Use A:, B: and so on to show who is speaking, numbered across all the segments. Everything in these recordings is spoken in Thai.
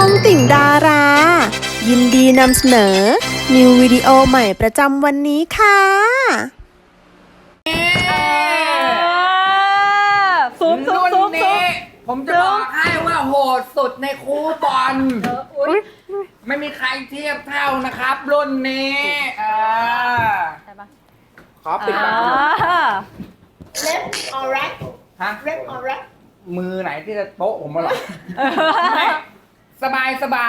A: องติ่งดารา ยินดีนำเสนอ นิววิดีโอใหม่ประจำวันนี้ค่ะ
B: รุ่นนี้ผมจะบอกให้ว่าโหดสุดในคูบอลไม่มีใครเทียบเท่านะครับรุ่นนี้
C: ใช่ปะ
B: ขอปิดปาก
D: Left or right
B: ฮะ
D: Left or right
B: มือไหนที่จะโต๊ะผมมาหรอไม่สบาย
D: สบาย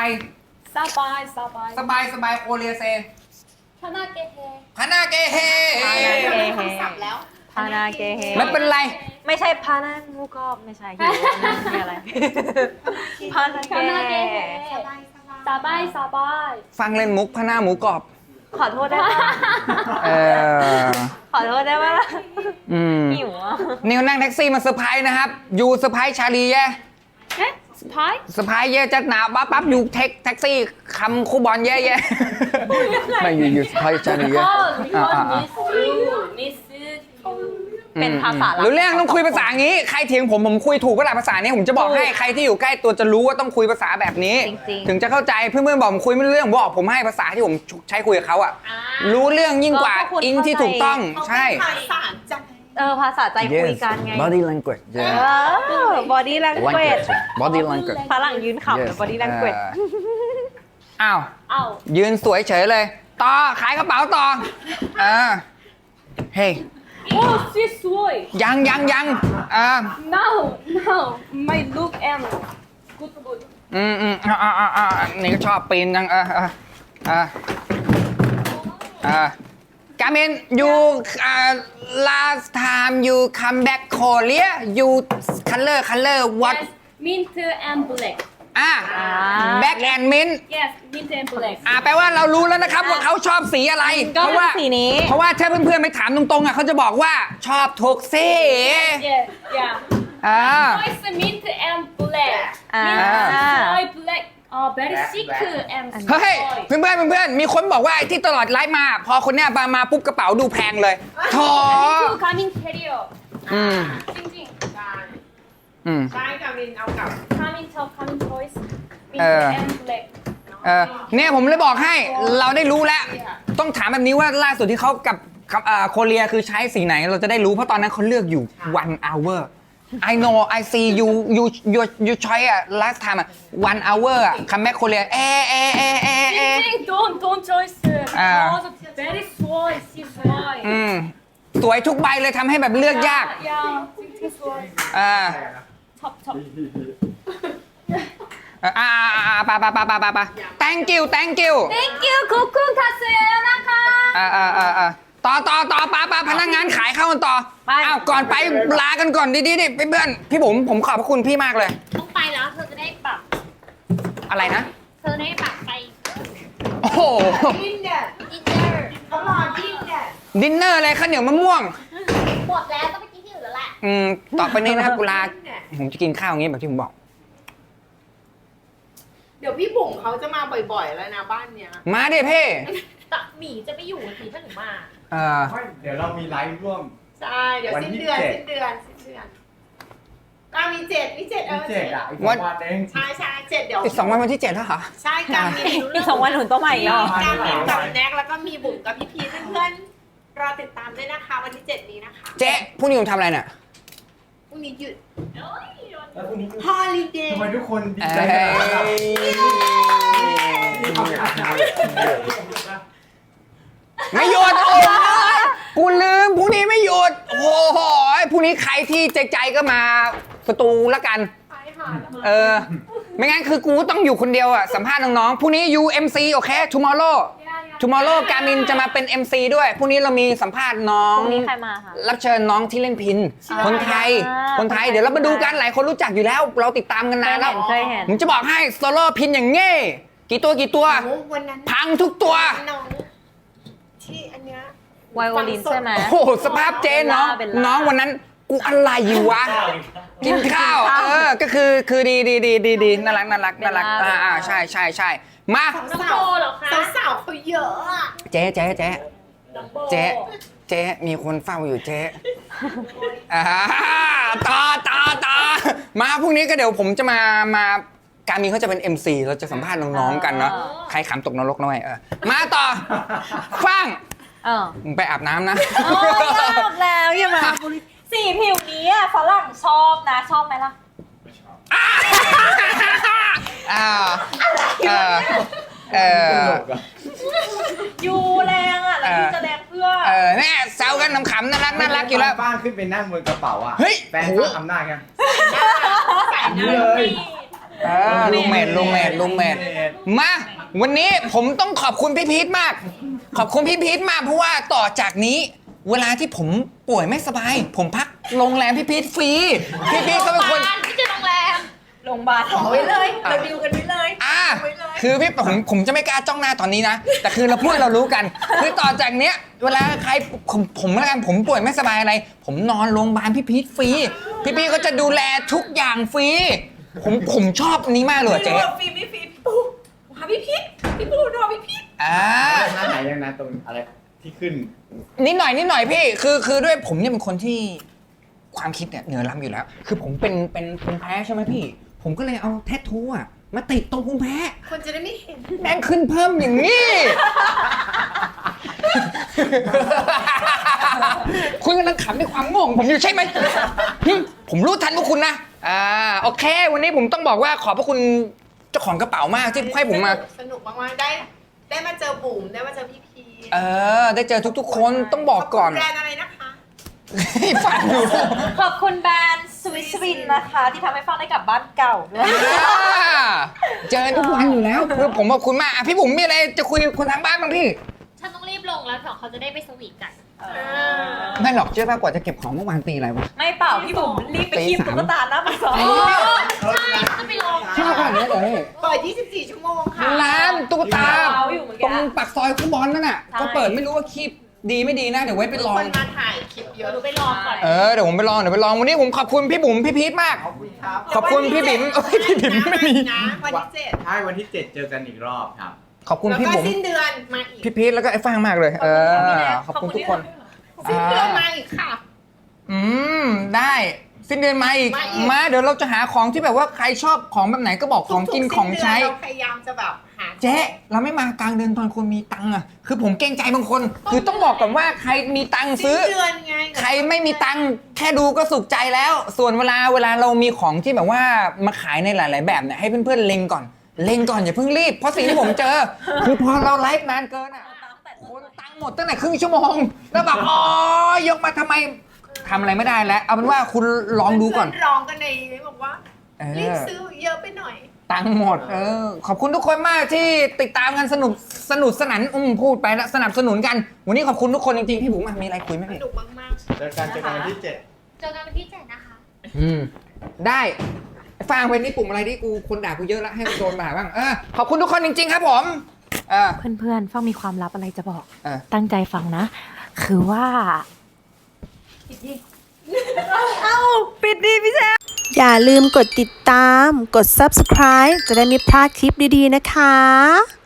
B: โคเรียเซ
D: 편하게 해
B: พานาเกเฮ
D: คำศัพท์แล้ว
C: พานาเกเฮ
B: ไม่เป็นไร
C: ไม่ใช่พานางูกอบไม่ใช่หิวมีอะไรพานาเก
D: 편하게 해 สบาย
B: ฟังเล่นมุกพานาหมูกรอบ
C: ขอโทษได้ปะ
B: เออ
C: ขอโทษได้ปะ หิวอ่ะ
B: นิวนั่งแท็กซี่มาเซอร์ไพรส์นะครับยูเซอร์ไพรส์ชาลีแย่
D: 네? 스파이?
B: เซอร์ไพรส์เย่จะหนาปั๊บอยู่แท็กซี่คำคู่บอลแย่ไม่อยู่เซอร์ไพรส์ชาลีแย่
D: 미스
C: เป็นภาษาลับ
B: รู้เรื่องต้องคุยภาษาอย่างนี้ ใครเถียงผมคุยถูกก็หลายภาษานี้ผมจะบอกให้ใครที่อยู่ใกล้ตัวจะรู้ว่าต้องคุยภาษาแบบนี้ ถึงจะเข้าใจเพื่อนๆบอกผมคุยไม่รู้เรื่องบอกผมให้ภาษาที่ผมใช้คุยกับเขาอ่ะรู้เรื่องยิ่งกว่าอิงที่ถูกต้องใช่
D: ภาษาใจ
C: ภาษาใจคุยกันไง
B: body language
C: body language
B: body language
C: ฝรั่งยืนขำ body language
B: อ้าว
D: เอา
B: ยืนสวยเฉยเลยต่อขายกระเป๋าต่อเฮ้ย
D: โอ้ she's sweet
B: ยัง
D: now my look and good
B: นี่ก็ชอบปีนยังGamin you last time you come back Korea you color what
D: yes mint and black
B: black and mint
D: yes mint and black
B: แปลว่าเรารู้แล้วนะครับว่าเขาชอบสีอะไร
C: ก็
B: เพราะว่า
C: สีนี้
B: เพราะว่าถ้าเพื่อนๆไปถามตรงๆเขาจะบอกว่าชอบทุกสี
D: yeah voice mint and black mint black very sick and
B: เฮ้ยเพื่อนมีคนบอกว่าไอ้ที่ตลอดไลฟ์มาพอคนเนี้ยมาปุ๊บกระเป๋าดูแพงเลยโถ
D: coming carrier จริงๆใช่กามินเอากับ coming top coming choice mint and black
B: เนี่ยผมเลยบอกให้เราได้รู้แล้วต้องถามแบบนี้ว่าล่าสุดที่เขากับโคเรียคือใช้สีไหนเราจะได้รู้เพราะตอนนั้นเขาเลือกอยู่ one hour I know I see you try last time 1 hour คัมแบ็คโคเรีย
D: จริงๆ don't choice because very sweet she's sweet
B: สวยทุกใบเลยทำให้แบบเลือกยาก
D: yeah จริงๆ sweet top
B: ไป thank you
D: thank you ขอบคุณค่ะเสียนะคะ
B: ต่อปาพนักงานขายข้าวกันต่อ
C: ไป
B: อ้าวก่อนไปลากันก่อนดีๆเพื่อนพี่ผมขอบพระคุณพี่มากเลย
D: ต้องไปแล้วเธอจะได้ปรับ
B: อะไรนะ
D: เธอได้ปรับไป
B: โอ้โห
D: ดินเนอร์เขารอดินเนอร์
B: ดินเนอร์อะไรข้าวเหนียวมะม่วง
D: หมดแล้วต้องไปกินที่อื่นแล้วแหละ
B: ต่อไปนี้นะครับกุลาผมจะกินข้าวอย่างนี้แบบที่ผมบอก
E: เดี๋ยวพี่บุ๋มเขาจะมาบ่อยๆแล้วนะบ้านเนี้ย
B: มาดิเพ่
D: แต่หมีจะไม่อยู่หมีถ้าหนูมา
F: เดี๋ยวเรามีไลฟ์ร่วม
E: ใช่ เดี๋ยว
F: วัน
E: สิ้น
F: ที่
E: เดือน
F: 7
E: สิ้นเดือนก็มีเจ็ด
F: ที่7 อ่ะ อีก2 วันเอง
E: ใช่เจ็ดเดี๋ยว
B: อีก2 วันที่ 7แล้วเหรอ
E: ใช่การมีรู้
C: อี
E: เรื่
C: ก2 วันหนุนต้องใหม่อีกแล้ว
E: การมีกับแน็กแล้วก็มีบุ๋มกับพี่พีชเพื่อนๆรอติดตามด้วยนะคะวันที่ 7 นี้นะคะ
B: เจ๊พรุ่งนี้ผมทำอะไรเนี่ย
E: พรุ่งนี้หยุด
F: แล้วพรุ่งนี้
E: ฮอลิเดย์
F: ทำไมทุกคนดี
B: เอ้
F: ใจกันนะครับ
B: ไม่หยุดโอ้ยกูลืมพรุ่งนี้ไม่หยุดโอ้โหพรุ่งนี้ใครที่ใจก็มาประตูละกันไม่งั้นคือกูต้องอยู่คนเดียวสัมภาษณ์น้องๆพรุ่งนี้ UMC โอเค tomorrow การมินจะมาเป็น MC ด้วยพรุ่งนี้เรามีสัมภาษณ์น้อง
C: พรุ่งนี้ใครมาคะ
B: รับเชิญน้องที่เล่นพินคนไทยเดี๋ยวเรามาดูกันหลายคนรู้จักอยู่แล้ว เราติดตามกันนานแล้ว
C: เคยเห็น
B: ผมจะบอกให้โซโล่พินอย่างเง่กี่ตัว
E: โอ้วันนั้น
B: พังทุกตัว
E: น้องที่อันเนี้ย
C: ไวโอลินใช่ไหม
B: โอ้โหสภาพเจนเนาะ
C: เบลล่า
B: น้องวันนั้นกูอะไรอยู่วะกินข้าวก็คือดีน่ารักใช่มา
D: น้องโบเหรอคะ
E: สาวๆเขาเยอะอะ
B: เจ๊
D: น้องโบ
B: เจ๊มีคนเฝ้าอยู่เจ๊ต่อมาพรุ่งนี้ก็เดี๋ยวผมจะมาการมีเขาจะเป็น MC เราจะสัมภาษณ์น้องๆกันเนาะใครขำตกนรกหน่อยมาต่อฟังมึงไปอาบน้ำนะ
C: โอ้ยอาบแล้วอย่ามาสีผิวนี้อะฝรั่งชอบนะชอบไหมล่ะ ยูแรงอ่ะแล้วยูจะแรงเพื่อ
B: เนี่ยแซวกันขำๆน่ารักอยู่แล้ว
F: บ้านขึ้นไปนั่งบนกระเป๋าอ่ะ
B: เฮ้ย
F: แฟนก็ทำหน้ากัน
E: ใส่ห
F: นี่
E: น้า
F: เลย
B: ลุงเมดมาวันนี้ผมต้องขอบคุณพี่พีทมาก ขอบคุณพี่พีทมากเพราะว่าต่อจากนี้ เวลาที่ผมป่วยไม่สบาย ผมพักโรงแรมพี่พีทฟรีพี่พีทก็เป็นคน
D: ไม่ใช่โรงแรม
C: โรงพยาบาลขอไว้เลยเราดิวกันไว้เลย
B: คือพี่ผมจะไม่กล้าจ้องหน้าตอนนี้นะ แต่คือเราพูดเรารู้กัน คือต่อจากเนี้ยเวลาใครผมแล้วกันผมป่วยไม่สบายอะไร ผมนอนโรงพยาบาลพี่พีทฟรีพี่พีทก็จะดูแลทุกอย่างฟรีผมชอบอันนี้มากเลยเจ๊
E: ฟรีไม่ฟรีพี่ปูหาพี่พีทพี่ปูรอพี่พีท
F: หน้าไหนยังนะตรงอะไรที่ขึ้น
B: นิดหน่อยพี่คือด้วยผมเนี่ยเป็นคนที่ความคิดเนี่ยเหนือล้ำอยู่แล้ว คือผมเป็นภูมิแพ้ใช่ไหมพี่ ผมก็เลยเอาแทททูอะมาติดตรงภูมิแพ้
E: คนจะได้ไม่เห็น
B: แม่งขึ้นเพิ่มอย่างนี้ คุณกำลังขำในความโง่ของผมอยู่ใช่ไหมผมรู้ทันพวกคุณนะโอเค วันนี้ผมต้องบอกว่าขอบพระคุณเจ้าของกระเป๋ามากที่ให้ผมมา
E: สนุกมากๆได้มาเจอบุ๋มได้มาเจอพี่พีท
B: ได้เจอทุกๆคนต้องบอกก่อน
E: ขบคุณแบรนด์อะไรนะคะ
B: ให้ฟังอยู่
C: ขอบคุณแบรนด์สวิสวินนะคะที่ทำให้ฟังได้กลับบ้านเก่าด้วย
B: เจอทุกวันอยู่แล้วคือผมขอบคุณมากพี่บุ๋มมีอะไรจะคุยกับคนทางบ้านบ้างพี่
D: ฉันต้องรีบลงแล้วเดี๋ยวเขาจะได้ไปสวีทกัน
B: ไม่หรอกเชื่อป่ะกว่าจะเก็บของเมื่อวานตีอะไรวะ
C: ไม่เปล่าพี่บุ๋มรีบไปคีบตุ๊กตาหน้าปากซอย
D: ใช่จะไปลง
B: ชอบขนาดนี้เลย
E: เปิด 24 ชั่วโมงค่ะ
B: ร้านตุ๊กตา
C: เขาอยู่เหมือน
B: ตร
C: กัน
B: งปากซอยคูบอลนั่นน่ะ
C: ใช่
B: ก็เปิดไม่รู้ว่าคลิปดีไม่ดีนะเดี๋ยวไว้ไปลอง
E: คนมาถ่ายคลิปเย
D: เดี๋ยว
E: อะ
D: หนูไปลองก่อน
B: เดี๋ยวผมไปลองวันนี้ผมขอบคุณพี่บุ๋มพี่พีทมาก
F: ขอบคุณครับ
B: ขอบคุณพี่บิ๋มพี่บิ๋มไม่มี
E: นะวันที่7
F: ใช่วันที่ 7 เจอกันอีกรอบครับ
B: ขอบคุณ
E: แล้ว
B: พี่
E: ก็
B: บุ๋ม
E: สิ้นเดือนมาอีก
B: พี่พีทแล้วก็ไอ้ฟางมากเลยขอบคุณทุกคน
E: สิ้นเดือนมาอีกค่ะ
B: ได้สิ้นเดือนมาอีก
E: มาอีก
B: มาเดี๋ยวเราจะหาของที่แบบว่าใครชอบของแบบไหนก็บอกของกินของใช้
E: เราพยายามจะแบบหา
B: เจ๊เราไม่มากลางเดือนตอนคนมีตังค์อะคือผมเกรงใจบางคน คือต้องบอกก่อนว่าใครมีตังค์
E: สิ้
B: ซื้
E: น
B: อ
E: เดือนไง
B: ใครไม่มีตังค์แค่ดูก็สุขใจแล้ว ส่วนเวลาเรามีของที่แบบว่ามาขายในหลาย ๆ แบบเนี่ยให้เพื่อนๆเล็งก่อนอย่าเพิ่งรีบเพราะสิ่งที่ผมเจอ คือพอเราไลฟ์นานเกินอะคนตังค์หมดตั้งแต่ครึ่งชั่วโมงแล้วแบบยกมาทำไมทำอะไรไม่ได้แล้วเอาเป็นว่าคุณลองดูก่อน
E: เพื่ร้องกันในนี้บอกว่ารีบซื้อเยอะไปหน่อย
B: ตังค์หมดขอบคุณทุกคนมากที่ติดตามกันสนุกสนานพูดไปแล้วสนับสนุนกัน วันนี้ขอบคุณทุกคนจริงๆพี่บุ๋มมีอะไรคุยไหม
E: ส
B: พี่
E: นุกมากๆ
F: เจอกันวันที่ 7
D: เจอกันวันที่7นะคะ
B: ได้ฟังเป็นนี่ปุ่มอะไรที่กูคนด่ากูเยอะแล้วให้มันโดนด่าบ้างขอบคุณทุกคนจริงๆครับผม
C: เพื่อนๆฟังมีความลับอะไรจะบอก
B: อ่ะ
C: ตั้งใจฟังนะ คือว่าปิดดีพี่แจ๊
A: อย่าลืมกดติดตาม กด subscribe จะได้ไม่พลาดคลิปดีๆนะคะ